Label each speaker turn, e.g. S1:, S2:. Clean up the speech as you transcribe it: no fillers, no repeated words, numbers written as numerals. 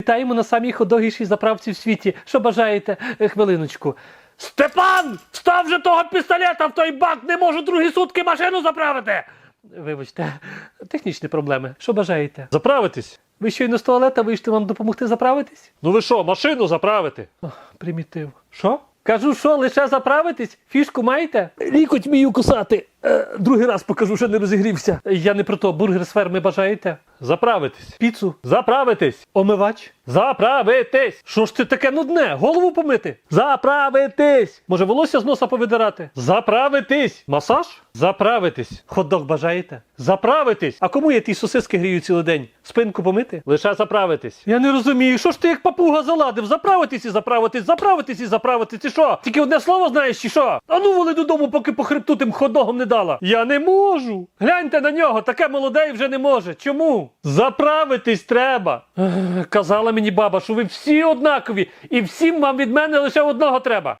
S1: Вітаємо на самій ходогішій заправці в світі. Що бажаєте? Хвилиночку. Степан! Став же того пістолета в той бак! Не можу другі сутки машину заправити! Вибачте, технічні проблеми. Що бажаєте?
S2: Заправитись?
S1: Ви щойно з туалета вийшли, вам допомогти заправитись?
S2: Ну ви що, машину заправити?
S1: Примітив.
S2: Що?
S1: Кажу, що, лише заправитись? Фішку маєте? Лікоть вмію кусати. Другий раз покажу, що не розігрівся. Я не про то. Бургер з ферми бажаєте?
S2: Заправитись.
S1: Піцу?
S2: Заправитись.
S1: Омивач?
S2: Заправитись.
S1: Що ж це таке нудне? Голову помити?
S2: Заправитись.
S1: Може волосся з носа повидирати?
S2: Заправитись.
S1: Масаж?
S2: Заправитись.
S1: Хот-дог бажаєте?
S2: Заправитись.
S1: А кому я ті сосиски грію цілий день? Спинку помити?
S2: Лише заправитись.
S1: Я не розумію, що ж ти як папуга заладив? Заправитись і заправитись, заправитись і заправитись, і що? Тільки одне слово знаєш, чи що? А ну воли додому, поки по хребту тим хот-догом не дала. Я не можу. Гляньте на нього, таке молоде і вже не може. Чому?
S2: Заправитись треба.
S1: Казала мені баба, що ви всі однакові, і всім вам від мене лише одного треба.